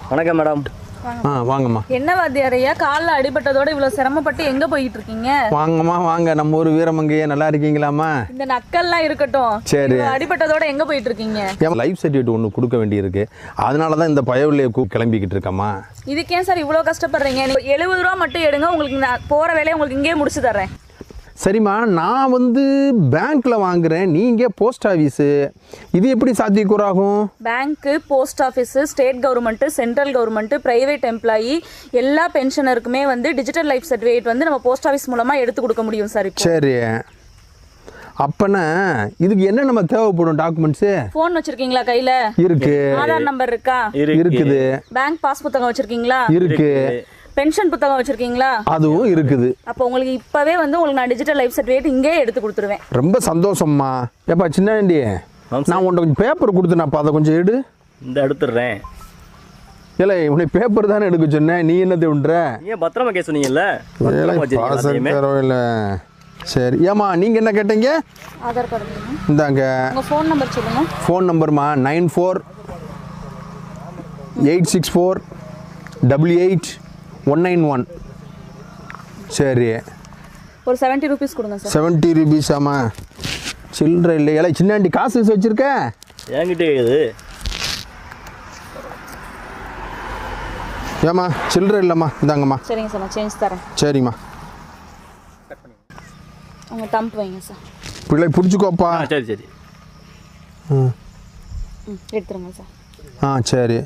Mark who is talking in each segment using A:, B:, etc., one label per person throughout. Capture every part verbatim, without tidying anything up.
A: வணக்கம் மேடம்.
B: ஆ வாங்கம்மா.
C: என்ன வாத்தியாரையா காலில் அடிபட்டதோட இவ்வளோ சிரமப்பட்டு எங்கே போயிட்டு இருக்கீங்க?
B: வாங்கம்மா வாங்க, நம்ம ஊர் வீரமங்கையே நல்லா இருக்கீங்களாம்மா?
C: இந்த நக்கல்லாம் இருக்கட்டும்.
B: சரி,
C: அடிபட்டதோட எங்கே போயிட்டு இருக்கீங்க?
B: என் லைஃப் சர்டிஃபிகேட் ஒன்று கொடுக்க வேண்டியிருக்கு, அதனால தான் இந்த பயவில்லையை கிளம்பிக்கிட்டு இருக்கம்மா.
C: இதுக்கே சார் இவ்வளோ கஷ்டப்படுறீங்க? எழுபது ரூபா மட்டும் எடுங்க, உங்களுக்கு நான் போகிற வேலையை உங்களுக்கு இங்கேயே முடிச்சு தர்றேன்.
B: சரிம்மா, நான் வந்து பேங்க்கில் வாங்குகிறேன், நீங்கள் போஸ்ட் ஆஃபீஸு, இது எப்படி சாத்தியக்கூறாகும்?
C: Bank, post office, state government, central government, private employee எல்லா பென்ஷனருக்குமே வந்து டிஜிட்டல் லைஃப் சர்டிஃபிகேட் வந்து நம்ம போஸ்ட் ஆஃபீஸ் மூலமாக எடுத்து கொடுக்க முடியும் சார்.
B: சரி, அப்பனா இதுக்கு என்ன நம்ம தேவைப்படும் டாக்குமெண்ட்ஸு?
C: ஃபோன் வச்சுருக்கீங்களா கையில்?
B: இருக்கு.
C: ஆதார் நம்பர் இருக்கா?
B: இருக்குது.
C: பேங்க் பாஸ் புத்தகம் வச்சுருக்கீங்களா?
B: இருக்கு.
C: பென்ஷன் புத்தகம் வச்சிருக்கீங்களா?
B: அதுவும் இருக்குது.
C: அப்போ உங்களுக்கு இப்பவே வந்து உங்களுக்கு நான் டிஜிட்டல் லைஃப் சர்டிஃபிகேட் இங்கே எடுத்து கொடுத்துருவேன்.
B: ரொம்ப சந்தோஷம்மா. ஏப்பா சின்னாண்டி, நான் உன்ட்ட கொஞ்சம் பேப்பர் கொடுத்தேனாப்பா, அதை கொஞ்சம் எடு.
A: இந்த எடுத்துடுறேன்.
B: இல்லை, உன்னை பேப்பர் தானே எடுக்க சொன்னேன், நீ என்ன தேவுன்ற?
A: ஏன் பத்திரமா கேஸ் சொன்னீங்கல்ல?
B: இல்லை சரி. ஏம்மா நீங்கள் என்ன கேட்டீங்க?
C: ஆதார் கார்டு
B: இந்தாங்க.
C: உங்கள் ஃபோன் நம்பர் சொல்லுங்க.
B: ஃபோன் நம்பர்மா nine four eight six four double eight one nine one. சரி,
C: ஒரு செவன்ட்டி ருபீஸ் கொடுங்க சார்.
B: செவன்ட்டி ருபீஸாம்மா? சில்லற இல்லை. இல்லை சின்னாண்டி காசு வச்சுருக்க?
A: என்கிட்ட இது
B: ஏம்மா சில்லற இல்லைம்மா, இந்தாங்கம்மா.
C: சரிங்க சார், நான் சேஞ்ச் தரேன்.
B: சரிம்மா,
C: உங்கள் தம்பு வைங்க சார்.
B: பிள்ளை பிடிச்சிக்கோப்பா.
A: சரி சரி.
B: ம்
C: ம் எடுத்துருங்க சார்.
B: ஆ சரி.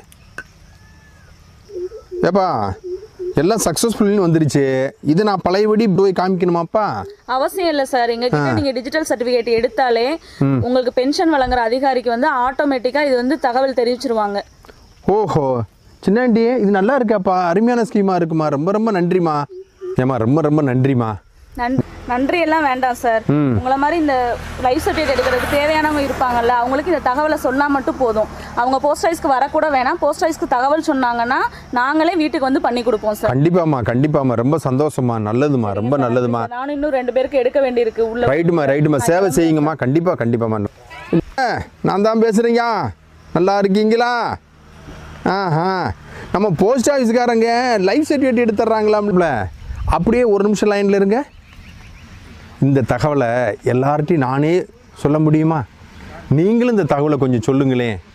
B: ஏப்பா எல்லாம் சக்ஸஸ்ஃபுல்னு வந்துருச்சு, இது நான் பழையபடி போய் காமிக்கணுமாப்பா?
C: அவசியம் இல்லை சார். எங்ககிட்ட நீங்கள் டிஜிட்டல் சர்டிஃபிகேட் எடுத்தாலே உங்களுக்கு பென்ஷன் வழங்குற அதிகாரிக்கு வந்து ஆட்டோமேட்டிக்காக இது வந்து தகவல் தெரிவிச்சிருவாங்க.
B: ஓஹோ சின்னாண்டி, இது நல்லா இருக்காப்பா, அருமையான ஸ்கீமாக இருக்குமா, ரொம்ப ரொம்ப நன்றிம்மா. ஏம்மா ரொம்ப ரொம்ப நன்றிம்மா.
C: நன் நன்றி எல்லாம் வேண்டாம் சார். உங்களை மாதிரி இந்த லைஃப் சர்டிஃபிகேட் எடுக்கிறதுக்கு தேவையானவங்க இருப்பாங்கல்ல, அவங்களுக்கு இந்த தகவலை சொன்னால் மட்டும் போதும். அவங்க போஸ்ட் ஆஃபீஸ்க்கு வரக்கூட வேணாம், போஸ்ட் ஆஃபீஸ்க்கு தகவல் சொன்னாங்கன்னா நாங்களே வீட்டுக்கு வந்து பண்ணி கொடுப்போம் சார்.
B: கண்டிப்பாம்மா கண்டிப்பாம்மா, ரொம்ப சந்தோஷமா, நல்லதுமா, ரொம்ப நல்லதுமா.
C: நானும் இன்னும் ரெண்டு பேருக்கு எடுக்க வேண்டியிருக்கு உள்ள.
B: ரைட்டுமா ரைட்டுமா, சேவை செய்யுங்கம்மா. கண்டிப்பாக கண்டிப்பாம்மா. நான் தான் பேசுகிறேங்க, நல்லா இருக்கீங்களா? ஆஹா, நம்ம போஸ்ட் ஆஃபீஸ்காரங்க லைஃப் சர்டிஃபிகேட் எடுத்துட்றாங்களாம்ல, அப்படியே ஒரு நிமிஷம் லைனில் இருங்க. இந்த தகவலை எல்லார்ட்டையும் நானே சொல்ல முடியுமா? நீங்களும் இந்த தகவலை கொஞ்சம் சொல்லுங்களேன்.